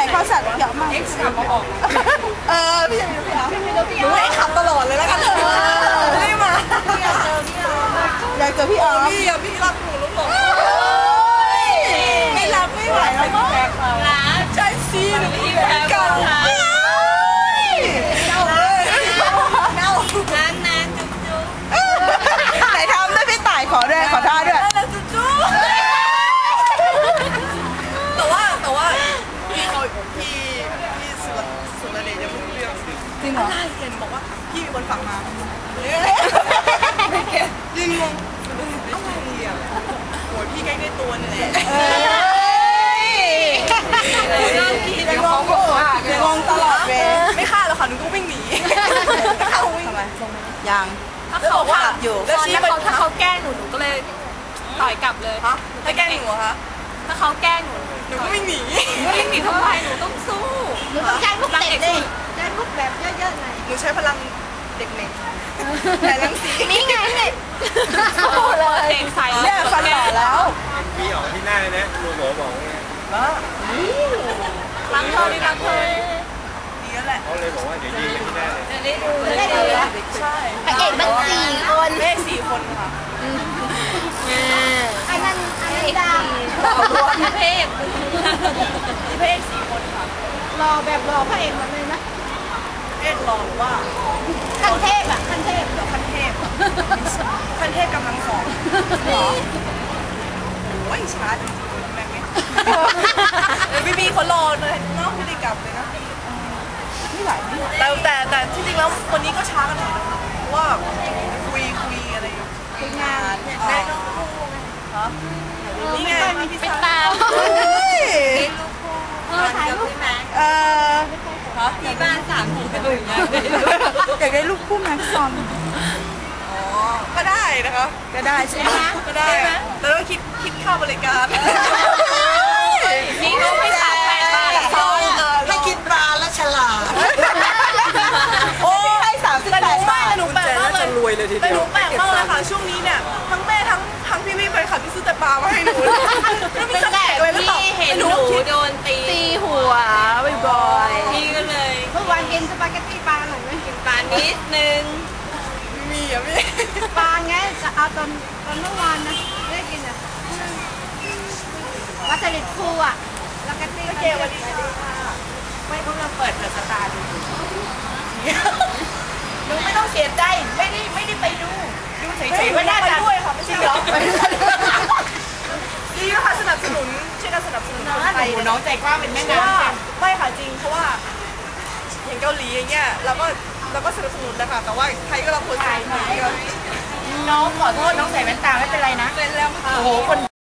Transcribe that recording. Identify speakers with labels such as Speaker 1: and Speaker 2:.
Speaker 1: เขาสั่งเยอะมากพี่ยังหนูให้ขับตลอดเลยแล้วกันไม่มาอยากเจอพี่อ๋อพี่รักหนูลูกบอกไม่รักไม่ไหวแล้วมั้งใช่สิหนูพี่แพ้เก่าเน่าเน่านานจุ๊บจุ๊บไหนทำด้วยพี่ต่ายขอด้วยขอท่าด้วยจุ๊บจุ๊บแต่ว่าพี่สุรเดชจะพูดเรื่องจริงเหรอเห็นบอกว่าพี่มีคนฝากมายิงงงอะไรอ่ะโหพี่ใกล้ได้ตัวนี่แหละยังงงตลอดเลยไม่ฆ่าแล้วค่ะหนูก็วิ่งหนีทำไมยัง
Speaker 2: ถ้าเขาว่าอยู่ถ้าเขาแกล้งหนูก็เลยต่อยกลับเลย
Speaker 1: ถ้าแกล้งหนูคะ
Speaker 2: ถ้าเขาแกล้งหนู
Speaker 1: ก็วิ่งหนี
Speaker 2: ทำไมหนูต้องสู้
Speaker 3: หนูต้องใช้พวกเด็กดิใช้พวกแบบเยอะๆหน่อย
Speaker 1: หนูใช้พลังเด็กเน็กแต่ลังสี
Speaker 3: นี่ไงเลย
Speaker 2: ใส่
Speaker 1: เนี่ยฟันหล่อแล้ว
Speaker 4: พี่ออกที่หน้าเลยนะลุงหมอบอกไง
Speaker 2: รักเธอดีรักเธอ
Speaker 1: ดีแล้วแหละ
Speaker 4: เขาเลยบอกว่าเดี๋ยวยิงกันที่หน้าเลย
Speaker 1: ใช่
Speaker 3: พระเอกมัน4 คน
Speaker 1: แม่4 คนค่ะ
Speaker 3: อันนั้นดา
Speaker 2: พี่เพศ
Speaker 1: 4 คนค่ะ
Speaker 3: รอแบบรอพระเอกมันเลยนะ
Speaker 1: เอ็ดรอหรือว่า
Speaker 3: ขั้นเทพอ่ะขั้นเทพ
Speaker 1: เดี๋ยวขั้นเทพกำลังสองโอ้ยช้าจริงๆแม่ไม่พี่เขารอเลยเนาะไม่ได้กลับเลยนะไม่ไหวแต่ที่จริงแล้วคนนี้ก็ช้ากันหน่อยเพราะว่าคุยอะไร
Speaker 3: คุยงาน
Speaker 1: ได้น้องฮะนี่ไง
Speaker 2: เป็นตา
Speaker 3: ถ่ายรูปไหม
Speaker 2: ที่บ้าน3 คนดูอย่างเงี้ย
Speaker 1: อยากได้ลูกคู่แม็กซ์ซอนก็ได้นะคะก็ได้ใช่ไหมก็ได้แต่ต้องคิดค่าบริการ
Speaker 2: นี่ก็ไม่38 บาทซ้อน
Speaker 3: ให้คิดบาทและฉลาด
Speaker 1: โอ้ให้38 บาทหนูแปลกมากเลยรวยเลยทีเดียวแต่หนูแปลกมากเลยค่ะช่วงนี้เนี่ยทั้งแม่ทั้งพี่ไปค่ะที่ซื้อแต่ปลามาให้หนูแล้วมีแตกเลยหรือเปล่า
Speaker 2: เห็นหนูโดนตี
Speaker 3: หัวบ่อย
Speaker 2: ๆพี่ก็เลย
Speaker 3: เมื่อวานกินสปาเกตตี้ปลาหน่อยไหม
Speaker 2: กินปลานิดนึง
Speaker 1: มีอ่ะพี่
Speaker 3: ปลาไงจะเอาตอนเมื่อวานนะได้กินอ่ะวัตถุดิบคู่อ่ะแล้วก็ตี
Speaker 1: เกวันนี้ไม่ต้องเราเปิดสตาร์ดูหนูไม่ต้องเสียใจไม่ได้ไปดูเฉยๆไม่ได้ด้วยค่ะไม่ใช่หรอดีนะคะสนับสนุนช่วยกันสนับสนุนคนไทย
Speaker 2: น้องใจกว้างเป็นแม่น้
Speaker 1: ำไม่ค่ะจริงเพราะว่าอย่างเกาหลีอย่างเงี้ยเราก็สนับสนุนนะคะแต่ว่าไทยก็เราควรใส่
Speaker 2: น้องขอโทษน้องใส่แว่นตาไม่เป็นไรนะ
Speaker 1: เป็นแล้ว
Speaker 2: โอ้โหคน